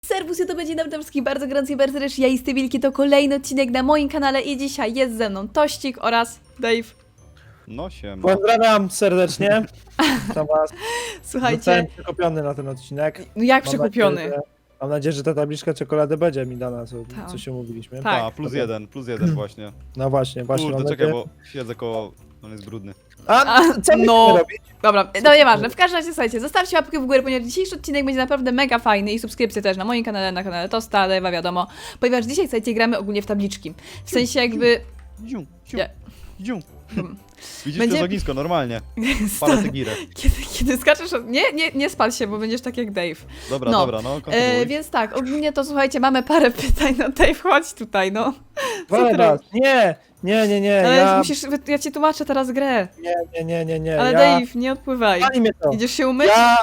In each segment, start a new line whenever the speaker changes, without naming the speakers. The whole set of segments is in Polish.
Serwus, to będzie nam wszystkich bardzo gorąco i bardzo serdecznie. Ja jestem Wilki, to kolejny odcinek na moim kanale i dzisiaj jest ze mną Tościk oraz Dave.
No siema.
Pozdrawiam serdecznie. To was.
Słuchajcie,
Zostałem przekupiony na ten odcinek.
no jak przekupiony?
Mam nadzieję, że ta tabliczka czekolady będzie mi dana,
Tak.
co się umówiliśmy.
Tak.
A, plus jeden właśnie.
No właśnie,
Kurde,
mam
czekaj,
nadzieję.
bo siedzę koło... On jest brudny.
A, co my
no.
no. robić?
Dobra, no nieważne, w każdym razie słuchajcie, zostawcie łapkę w górę, ponieważ dzisiejszy odcinek będzie naprawdę mega fajny i subskrypcję też na moim kanale, na kanale Tosta, Dave'a wiadomo, ponieważ dzisiaj, słuchajcie, gramy ogólnie w tabliczki. W sensie jakby...
Dziu, dziu,
Nie.
dziu. Widzisz
Będzie-
to ognisko, normalnie. Palę tygirę.
Kiedy skaczesz... Nie spal się, bo będziesz tak jak Dave.
Dobra,
No.
dobra, no kontynuuj.
Więc tak, ogólnie to słuchajcie, mamy parę pytań, no Dave, chodź tutaj, no. Co ty
Dobra,
robisz?
nie,
Ale ja ci tłumaczę teraz grę.
nie.
Ale
ja...
Dave, nie odpływaj.
Pali mnie to.
Idziesz się umyć?
Ja...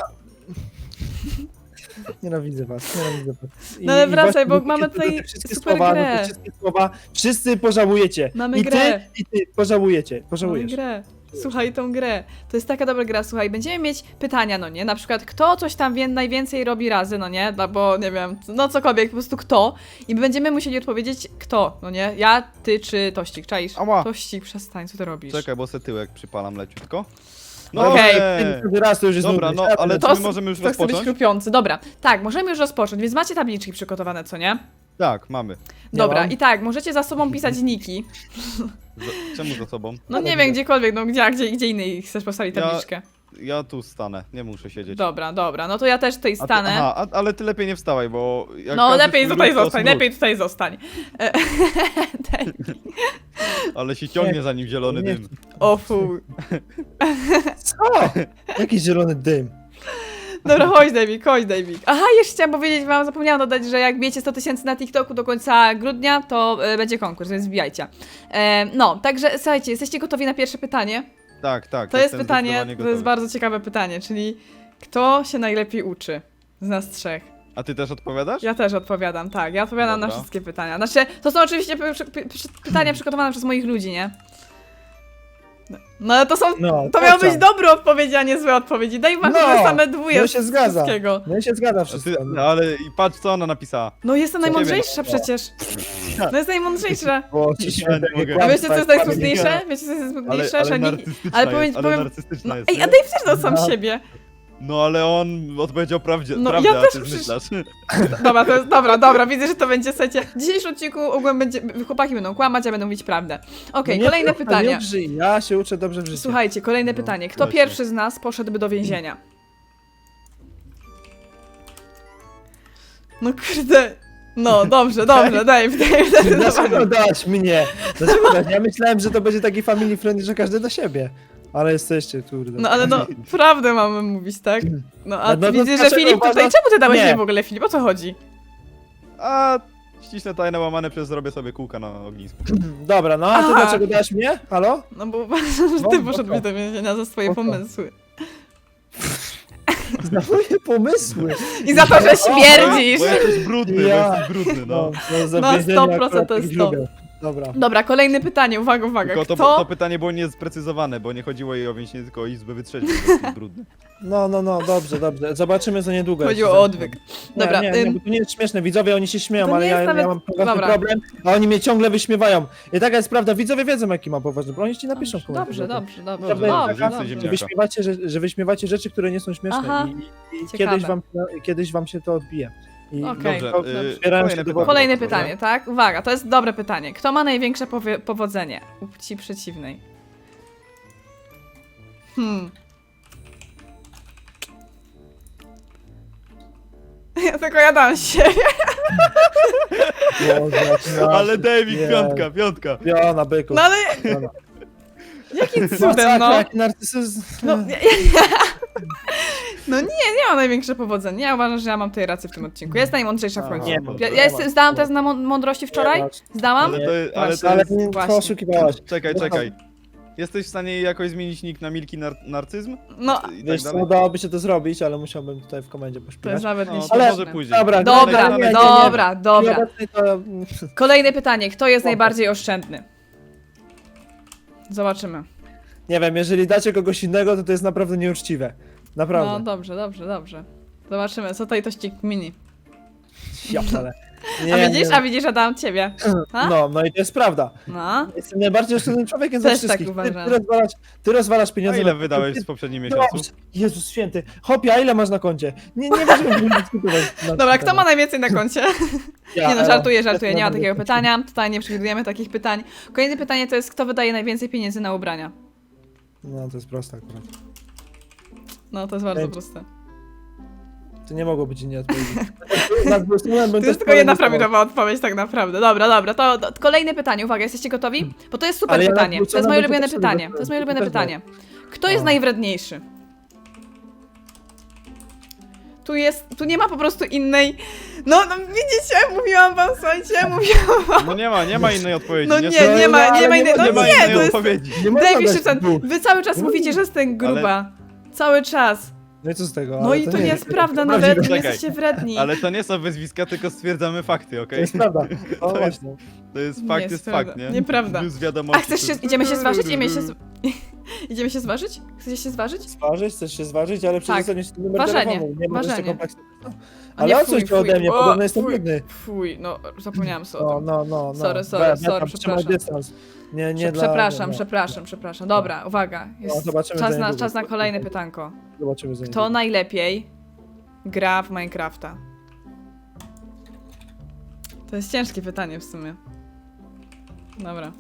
Nienawidzę was.
No ale wracaj, bo
właśnie
mamy
te
tutaj
wszystkie
super
słowa,
grę.
te wszystkie słowa, wszyscy pożałujecie.
Mamy
I
grę.
ty, pożałujecie.
Mamy
Pożałujesz.
grę. Słuchaj tą grę. To jest taka dobra gra, słuchaj, będziemy mieć pytania, no nie? Na przykład kto coś tam najwięcej robi razy, no nie? Bo nie wiem, no cokolwiek, po prostu kto. I będziemy musieli odpowiedzieć kto, no nie? Ja, ty czy Tościk, czaisz?
Ała.
Tościk, przestań, co ty robisz?
Czekaj, bo se tyłek przypalam leciutko.
No
Okej.
Każdy raz to już jest
Dobra,
nudne.
no ale
To
czy my możemy już
to chce być
rozpocząć?
chrupiący. Dobra, tak, możemy już rozpocząć, więc macie tabliczki przygotowane, co nie?
Tak, mamy.
Dobra,
mam.
i tak, możecie za sobą pisać niki.
Czemu za sobą?
No
Ale
nie
widzę.
wiem, gdziekolwiek, no gdzie innej chcesz postawić
Ja-
tabliczkę.
Ja tu stanę, nie muszę siedzieć.
Dobra, no to ja też tutaj
A ty-
stanę.
Aha, ale ty lepiej nie wstawaj, bo... jak
No
każdy
lepiej
swój
tutaj
ruch, to
zostań,
smród.
lepiej tutaj zostań.
Ale się ciągnie za nim zielony
Nie.
dym.
O fuj.
Co? Jaki zielony dym.
Dobra, chodź David. Aha, jeszcze chciałam powiedzieć wam, zapomniałam dodać, że jak wiecie 100 000 na TikToku do końca grudnia, to będzie konkurs, więc wbijajcie. No, także słuchajcie, jesteście gotowi na pierwsze pytanie?
Tak.
To jest
jestem
pytanie,
zdecydowanie
to jest
gotowy.
bardzo ciekawe pytanie, czyli kto się najlepiej uczy z nas trzech?
A ty też odpowiadasz?
Ja też odpowiadam, tak. Ja odpowiadam na
Dobra.
wszystkie pytania. Znaczy, to są oczywiście pytania przygotowane przez moich ludzi, nie? No ale to są.
No,
To miały być
co?
dobre odpowiedzi, a nie złe odpowiedzi. Daj wam
No,
same dwóje
no
z
się zgadza.
wszystkiego.
No i się zgadza
A
wszystko.
ty, ale i patrz co ona napisała.
No jestem
Co
najmądrzejsza
ciebie?
przecież. No jest najmądrzejsza.
Bo
Ja
ci
nie mogę.
A wiecie co jest najsmutniejsze? Wiecie co jest
Ale,
najsmutniejsze?
ale
Że nikt...
narcystyczna
ale
jest,
powiem-
ale
powiem-
narcystyczna
No,
jest.
ej,
nie?
a Dave też dał sam
No.
siebie.
No ale on odpowiedział prawdę,
No,
prawdę
ja
a
też
ty
przecież-
zmyślasz.
Dobra, to jest, dobra, widzę, że to będzie, słuchajcie, w dzisiejszym odcinku ogółem będzie, chłopaki będą kłamać, a będą mówić prawdę. Okej, kolejne pytanie.
Nie użyj. Ja się uczę dobrze w życiu.
Słuchajcie, kolejne
No,
pytanie. Kto
właśnie.
pierwszy z nas poszedłby do więzienia? No kurde. No, dobrze, Dave.
Dlaczego dałaś mnie? Dlaczego dałaś? Ja myślałem, że to będzie taki family friendly, że każdy do siebie. Ale jesteście, kurde.
No ale no, prawdę mamy mówić, tak? No a
No to
widzisz, że
dlaczego
Filip tutaj,
uważasz-
czemu ty dałeś
Nie.
mnie w ogóle, Filip? O co chodzi?
A ściśle tajne łamane przez zrobię sobie kółka na ognisku.
Dobra, no a ty
Aha.
dlaczego dałaś mnie? Halo?
No bo uważam, że
No,
ty
po
poszedłbyś
co?
do więzienia za swoje
Po co?
pomysły.
Za moje pomysły.
I za to, że śmierdzisz!
Bo jesteś brudny,
Ja.
bo jesteś brudny, no.
za
No,
więzienie
100%
akurat
to jest
tak
to.
lubię. Dobra.
Dobra, kolejne pytanie, uwaga.
Tylko to
Kto?
pytanie było niesprecyzowane, bo nie chodziło jej o więzienie, tylko o izbę wytrzeźwień, bo jesteś brudny.
No, dobrze. Zobaczymy za niedługo. jak
Chodziło
się
o
zamknę.
odwyk. Dobra,
nie, bo to nie jest śmieszne. Widzowie, oni się śmieją,
to
ale
nie
ja,
jest nawet-
ja mam poważny
Dobra.
problem, a oni mnie ciągle wyśmiewają. I taka jest prawda, widzowie wiedzą, jaki mam poważny problem. Oni ci napiszą w komentarzu.
Dobrze.
Więcej
Że wyśmiewacie, że wyśmiewacie rzeczy, które nie są śmieszne.
Aha,
I
ciekawe.
kiedyś wam się to odbije. I
Okej.
Dobrze,
Dobrze.
kolejne
się do
pytanie.
Kolejne
proszę.
pytanie, tak? Uwaga, to jest dobre pytanie. Kto ma największe powodzenie u płci przeciwnej? Ja tylko jadam się.
Boże, jak
Ale David,
Nie.
piątka.
Piona, byku.
No ale
Piona.
jakim cudem,
Masakra,
no?
jaki narcyzm.
No nie mam największe powodzenie. Ja uważam, że ja mam tutaj rację w tym odcinku. Ja jestem najmądrzejsza w końcu.
Nie,
Zdałam test na mądrości wczoraj? Zdałam?
Ale to
Właśnie.
Ale
jest...
nie
Właśnie.
oszukiwałaś.
Czekaj. Jesteś w stanie jakoś zmienić nick na Milki Narcyzm?
No,
I
Wiesz
tak
co,
dalej?
udałoby się to zrobić, ale musiałbym tutaj w komendzie
to jest
pośpiewać.
nawet nie
No, to
Ale-
może później.
Dobra,
Dobra,
nie,
dobra.
Obecnie to...
Kolejne pytanie. Kto jest najbardziej oszczędny? Zobaczymy.
Nie wiem, jeżeli dacie kogoś innego, to jest naprawdę nieuczciwe. Naprawdę.
No dobrze. Zobaczymy, co tutaj to ścig mini.
Ja ale.
A widzisz, Adam, ciebie. A?
No i to jest prawda.
No.
Jestem najbardziej oszczędnym człowiekiem ze
Też tak
wszystkich.
uważam.
Ty rozwalasz
A
pieniądze.
ile
na-
wydałeś w poprzednim
No,
miesiącu?
Jezus święty. Hopie, a ile masz na koncie? Nie będziemy dyskutować. na
Dobra,
ten
kto ma
temat.
najwięcej na koncie?
Ja,
Nie no,
Elo.
żartuję, nie ma
Ja
takiego
mam
pytania. Tutaj nie przewidujemy takich pytań. Kolejne pytanie to jest, kto wydaje najwięcej pieniędzy na ubrania?
No to jest proste akurat.
No, to jest bardzo
Pięć.
proste.
To nie mogło być innej odpowiedzi.
To jest tylko jedna prawidłowa odpowiedź tak naprawdę. Dobra, to kolejne pytanie. Uwaga, jesteście gotowi? Bo to jest super
Ale ja
pytanie. To jest
nadgłośniona
moje
bym
ulubione
też
pytanie.
sobie
To jest moje ulubione
też
pytanie. Kto jest
O.
najwredniejszy? Tu nie ma po prostu innej... No widzicie, mówiłam wam, słuchajcie, mówiłam wam.
No nie ma innej odpowiedzi.
No
nie,
nie ma innej... No
nie ma
nie,
innej
to jest...
odpowiedzi.
Nie można
Dave
dać
Szybczan,
dwóch.
wy cały czas
Nie
mówicie,
można.
że jestem gruba. Cały czas.
No i co z tego?
No
Ale
i to nie jest
tak
prawda,
prawdziwe.
nawet nie
Czekaj.
jesteście wredni.
Ale to nie są wyzwiska, tylko stwierdzamy fakty,
To
okej?
jest prawda. O
To jest-
właśnie.
To jest
Nie
fakt,
jest
jest
prawda.
fakt, nie?
Nieprawda.
Plus wiadomości.
A chcesz się...
to-
Idziemy się zważyć? Idziemy się zważyć? Chcecie się zważyć?
Zważyć, chcesz się zważyć, ale przecież
Tak.
dostaniesz numer
Ważenie,
telefonu. Nie możesz
ważenie.
tego kompleksu.
A nie,
Ale o
fuj,
coś ode mnie,
o,
podobno jestem
fuj.
biedny.
Fuj, no zapomniałam sobie o
No,
tym.
no.
Sorry,
Trzymaj
przepraszam.
dystans. Nie dla...
Przepraszam. Dobra, uwaga. Jest
zobaczymy
czas
za
na
niedługo.
kolejne pytanko.
Zobaczymy za
Kto
niedługo.
najlepiej gra w Minecrafta? To jest ciężkie pytanie w sumie. Dobra.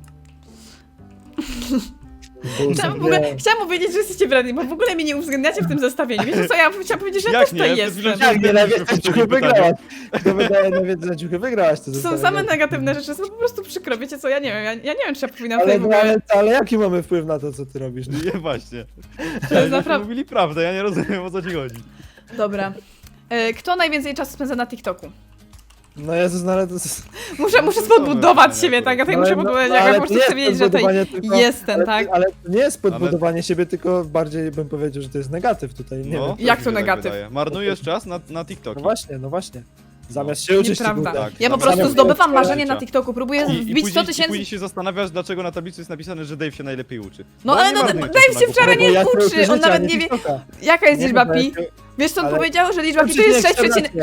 Chciałam powiedzieć, że jesteście wredni, bo w ogóle mnie nie uwzględniacie w tym zestawieniu. Wiecie co, ja chciałam powiedzieć, że ja
Jak
też tutaj
nie? Przed chwilą
jestem.
się
Jak nie, najwięcej
w
ciuchy
pytaniu.
wygrałaś. To wydaje najwięcej ciuchy wygrałaś. To
To są
zestawienie.
same negatywne rzeczy, są po prostu przykro. Wiecie co, ja nie wiem, ja nie wiem, czy ja powinnam
Ale,
tutaj w ogóle...
ale jaki mamy wpływ na to, co ty robisz? No?
Nie, właśnie.
To jest
Ale
naprawdę...
mówili prawdę, ja nie rozumiem, o co ci chodzi.
Dobra. Kto najwięcej czasu spędza na TikToku?
No Jezus, no ale to...
Muszę spodbudować siebie, tak? Ja tutaj muszę podbudować, jak ja po prostu chcę wiedzieć, że tutaj jestem, tak?
Ale to nie jest podbudowanie siebie, tylko bardziej bym powiedział, że to jest negatyw tutaj, nie
No,
wiem.
też
Jak
mi
to
się tak
negatyw?
wydaje. Marnujesz czas na TikToki.
No właśnie. Zamiast się uczyć,
Nieprawda.
ty
Tak,
Ja po
zamiast
prostu
się
zdobywam
uczyć
marzenie
życia.
na TikToku, próbuję
I
wbić 100
później
tysięcy...
się zastanawiasz, dlaczego na tablicy jest napisane, że Dave się najlepiej uczy.
No
Bo
ale
nie
no,
marnuje
Dave
czasu
się
na
wczoraj
głupoty.
nie
Bo ja
uczy,
się
on
uczę,
nawet
a
nie wie...
TikToka.
Jaka jest
Nie
liczba
wiem,
pi? Wiesz co on
ale-
powiedział? Że liczba pi to jest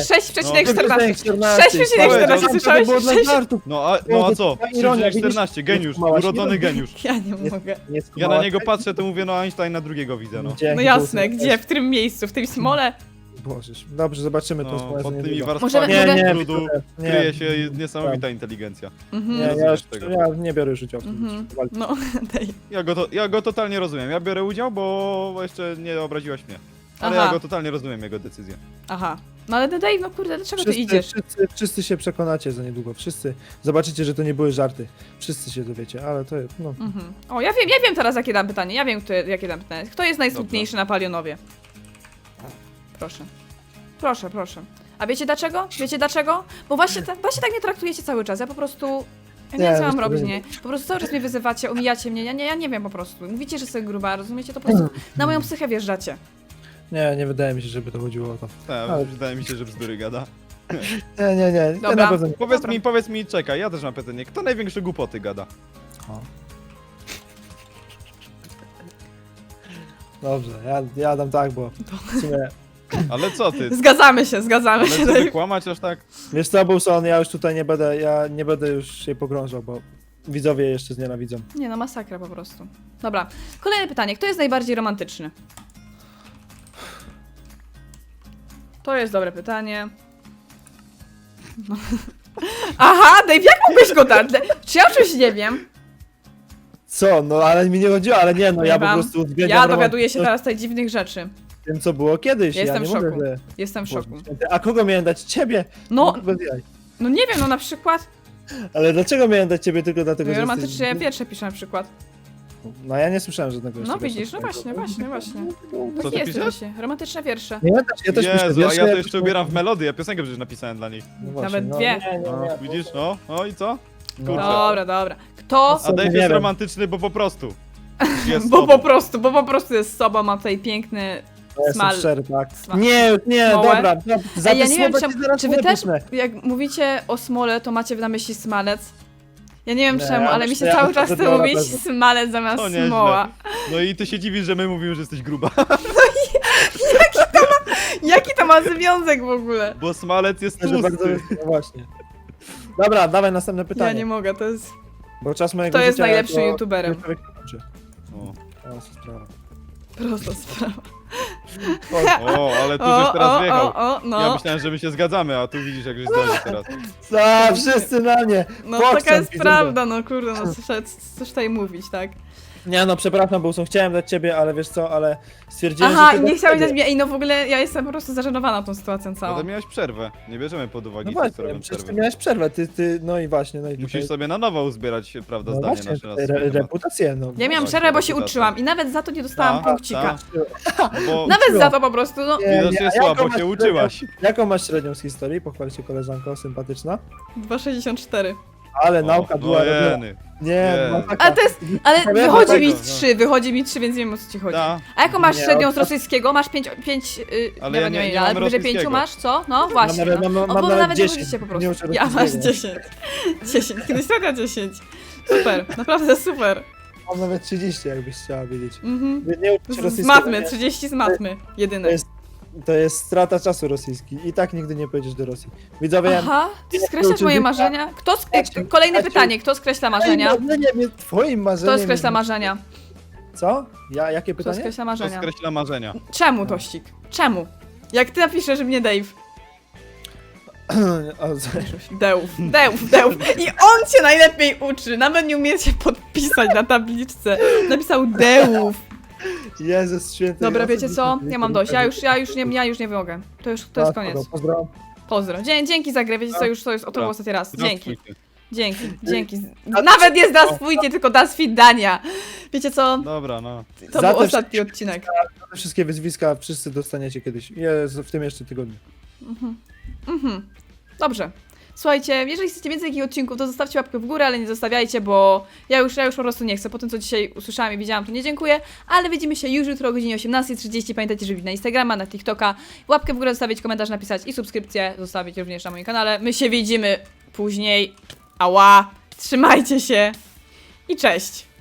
6,14. 6,14 słyszałeś?
To było dla żartów.
No a co? 14, geniusz, urodzony geniusz.
Ja nie mogę.
Ja na niego patrzę, to mówię, no Einsteina drugiego widzę, no.
No jasne, gdzie? W którym miejscu? W tej smole?
Bożeż. Dobrze, zobaczymy to
No,
wspólnie.
pod
za
tymi
niedługo.
warstwami
Możemy-
trudu
nie,
kryje się niesamowita inteligencja.
Mhm.
Nie,
rozumiesz tego.
ja nie biorę już udziału w
Mhm.
tym.
No, daj.
Ja go totalnie rozumiem. Ja biorę udział, bo jeszcze nie obraziłaś mnie. Ale
Aha.
ja go totalnie rozumiem, jego decyzję.
Aha. No ale Dave, no kurde, dlaczego ty idziesz?
Wszyscy się przekonacie za niedługo. Wszyscy zobaczycie, że to nie były żarty. Wszyscy się dowiecie, ale to jest. No.
Mhm. O, ja wiem teraz jakie dam pytanie. Ja wiem, jakie dam pytanie. Kto jest najsmutniejszy na Palionowie? Proszę. Proszę. A wiecie dlaczego? Bo właśnie tak mnie traktujecie cały czas. Ja po prostu... Ja nie wiem, co mam robić, nie? Po prostu cały czas mnie wyzywacie, omijacie mnie. Ja nie wiem po prostu. Mówicie, że jestem gruba, rozumiecie? To po prostu na moją psychę wjeżdżacie.
Nie wydaje mi się, żeby to chodziło o to.
Tak,
Ale-
wydaje mi się, że bzdury gada.
Nie. Ja
Dobra.
na pewno nie.
Powiedz mi, czekaj, ja też mam pytanie. Kto największe głupoty gada?
O. Dobrze, ja dam tak, bo w sumie...
Ale co ty?
Zgadzamy się,
Ale co ty
Dave.
kłamać aż tak?
Wiesz co, Bulson, ja już tutaj nie będę już się pogrążał, bo widzowie jeszcze znienawidzą.
Nie no, masakra po prostu. Dobra, kolejne pytanie. Kto jest najbardziej romantyczny? To jest dobre pytanie. No. Aha, Dave, jak mógłbyś go dać? Czy ja o czymś nie wiem?
Co? No ale mi nie chodziło, ale nie, no ja po
Wam.
prostu uwzględniam
Ja dowiaduję się
romantyczność
teraz tutaj dziwnych rzeczy.
tym, co było kiedyś.
Ja jestem
nie
w szoku.
mówię, że...
Jestem w szoku.
Boże święty. A kogo miałem dać? Ciebie?
No,
Bez jaj.
no nie wiem, no na przykład.
Ale dlaczego miałem dać ciebie tylko dlatego,
No,
że
romantycznie
jesteś...
wiersze piszę na przykład.
No ja nie słyszałem żadnego
No
jeszcze
widzisz, no
wiersza.
właśnie.
Co
Tak
ty
jest
piszesz?
właśnie. Romantyczne wiersze.
Nie, ja też piszę
Jezu, a
wiersze,
ja to jeszcze ubieram w melodię, ja piosenkę przecież napisałem dla niej.
No właśnie,
Nawet
no,
dwie.
Nie.
Widzisz, no? No i co?
No.
Kurczę.
Dobra. Kto?
A Dave
Nie
jest
wiem.
romantyczny, bo po prostu. Jest
Bo
sobą.
po prostu jest sobą, ma tutaj piękny
Ja jestem
smal.
szczery, tak.
Smal.
Nie,
Smołę?
dobra. Za
Ej, ja
te
nie wiem,
słowa ci zaraz
czy wy też,
wybuchnę.
jak mówicie o smole, to macie na myśli smalec? Ja nie wiem
Nie,
czemu,
ja
ale mi
myślę,
się
ja
cały
myślę,
czas
że
chce
to na
mówić
pewno.
smalec zamiast
To nieźle.
smoła.
No i ty się dziwisz, że my mówimy, że jesteś gruba.
Jaki to ma związek w ogóle?
Bo smalec jest
Że bardzo,
tłusty.
no właśnie. Dobra, dawaj następne
Ja
pytanie.
nie mogę, to jest...
Bo czas mojego
Kto jest
życia
najlepszym
jako-
youtuberem?
człowiek kończy.
O.
O, co sprawa.
Prosta sprawa.
O, ale tu żeś teraz wjechał. Ja
no.
myślałem, że my się zgadzamy, a tu widzisz, jak żeś zdradził teraz.
Co? Wszyscy na mnie!
No
Pokrzem,
taka jest
widzowie.
prawda, no kurde, no cóż tutaj mówić, tak?
Nie no, przepraszam, Bołson, chciałem dać ciebie, ale wiesz co, ale stwierdziłem,
Aha,
że
i
ty
nie
dasz
chciałeś
ciebie.
dać mnie, ej no w ogóle ja jestem po prostu zażenowana tą sytuacją
No
całą.
to miałeś przerwę. Nie bierzemy pod uwagę
No
tych, co
właśnie,
robią
przecież ty
przerwę.
miałeś przerwę, no i właśnie, no i
Musisz
tutaj...
sobie na nowo uzbierać, prawda,
No
zdanie
właśnie,
nasze na
tutaj
swój temat.
reputację, no.
Ja miałam
właśnie,
przerwę, bo się
reputacja.
uczyłam i nawet za to nie dostałam
Tak,
punkcika.
tak. Bo
Nawet
uczyłam.
za to po prostu, no.
Nie,
widocznie
a
słabo
jaką masz
się uczyłaś.
Jaką masz średnią z historii? Pochwal się koleżanko, sympatyczna.
2,64.
Ale nauka była robiona.
jeny.
Nie,
Nie.
no taka...
Ale to jest, ale
Powiem
wychodzi mi
dlatego,
3, wychodzi mi 3, więc wiem o co ci chodzi.
Da.
A jaką masz
Nie,
średnią
od-
z rosyjskiego? Masz 5,
Ale ja nie mam
ale wyżej 5
rosyjskiego.
masz, co? No właśnie.
nawet-
No.
mam
O, bo
nawet
nawet nie
10,
chodzicie po
nie
prostu.
uczę
Ja masz
rosyjskiego.
10. 10, kiedyś taka 10. Super, naprawdę super.
Mam nawet 30, jakbyś chciała wiedzieć.
Mhm.
Nie uczę
Z
rosyjskiego.
matmy,
nie.
30 z matmy. Jedyne.
To jest, to jest strata czasu rosyjski. I tak nigdy nie pojedziesz do Rosji. Widzowie, ja...
Aha, ty
ja
skreślasz
uczę
moje
życia.
marzenia?
Kasiu,
Kolejne
Kasiu.
pytanie, kto skreśla marzenia?
Twoim marzeniem jest- Twoim marzeniem
Kto skreśla
jest-
marzenia?
Co? Jakie
Kto
pytanie?
skreśla
To
marzenia?
skreśla marzenia.
Czemu, Tościk? Czemu? Jak ty napiszesz mnie Dave?
O, co-
Dełf. I on cię najlepiej uczy. Nawet nie umie się podpisać na tabliczce. Napisał Dełf.
Jezus święty.
Dobra,
ja
wiecie
sobie
co?
nie
Ja mam dość. Ja już nie mogę. To jest koniec.
Pozdro.
Pozdro. Dzięki za grę. Wiecie co? Już to jest
Dobra.
ostatni raz. Dzięki.
Zastrójcie.
Dzięki. Nawet nie zdaswójcie, tylko das widania. Wiecie co?
Dobra, no.
To
Za
był
te
ostatni odcinek.
Te wszystkie wyzwiska wszyscy dostaniecie kiedyś. Jest w tym jeszcze tygodniu.
Dobrze. Słuchajcie, jeżeli chcecie więcej takich odcinków, to zostawcie łapkę w górę, ale nie zostawiajcie, bo ja już po prostu nie chcę. Po tym, co dzisiaj usłyszałam i widziałam, to nie dziękuję. Ale widzimy się już jutro o godzinie 18:30. Pamiętajcie, żeby wbić na Instagrama, na TikToka, łapkę w górę zostawić, komentarz napisać i subskrypcję zostawić również na moim kanale. My się widzimy później. Ała! Trzymajcie się i cześć!